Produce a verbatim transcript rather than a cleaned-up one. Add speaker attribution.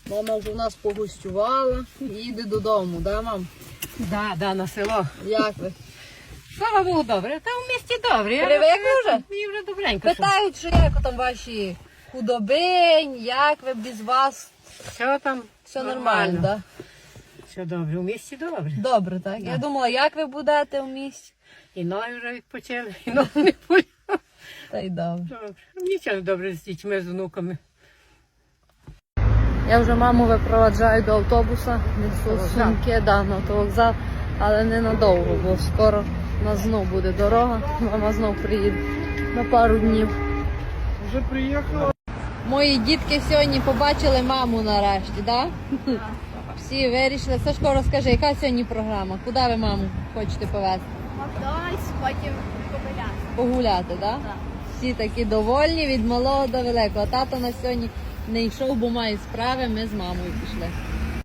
Speaker 1: Мама вже у нас погостювала і їде додому, да, мам?
Speaker 2: Да, да, на село.
Speaker 1: Як ви?
Speaker 2: Слава Богу, добре. Та в місті добре.
Speaker 1: Привикли вже?
Speaker 2: Мені вже добренько. що.
Speaker 1: Питають, що як там ваші худобинь, як ви без вас?
Speaker 2: Все там
Speaker 1: Все нормально, так?
Speaker 2: Все добре. У місті добре.
Speaker 1: Добре, так? Я думала, як ви будете в місті?
Speaker 2: І ноги вже відпочили, і ноги не болять.
Speaker 1: Та й добре.
Speaker 2: Добре. Нічого добре з дітьми, з внуками.
Speaker 1: Я вже маму випроваджаю до автобуса, несу сумки, да, на автовокзал, але не надовго, бо скоро у нас знов буде дорога, мама знов приїде на пару днів.
Speaker 3: Вже приїхала.
Speaker 1: Мої дітки сьогодні побачили маму нарешті, так? Да? Всі вирішили. Сашко, розкажи, яка сьогодні програма? Куди ви маму хочете повезти?
Speaker 4: Макдональдс, потім погуляти.
Speaker 1: Погуляти, так? Да?
Speaker 4: Так.
Speaker 1: Всі такі довольні від малого до великого. Тато на сьогодні не йшов, бо має справи, ми з мамою пішли.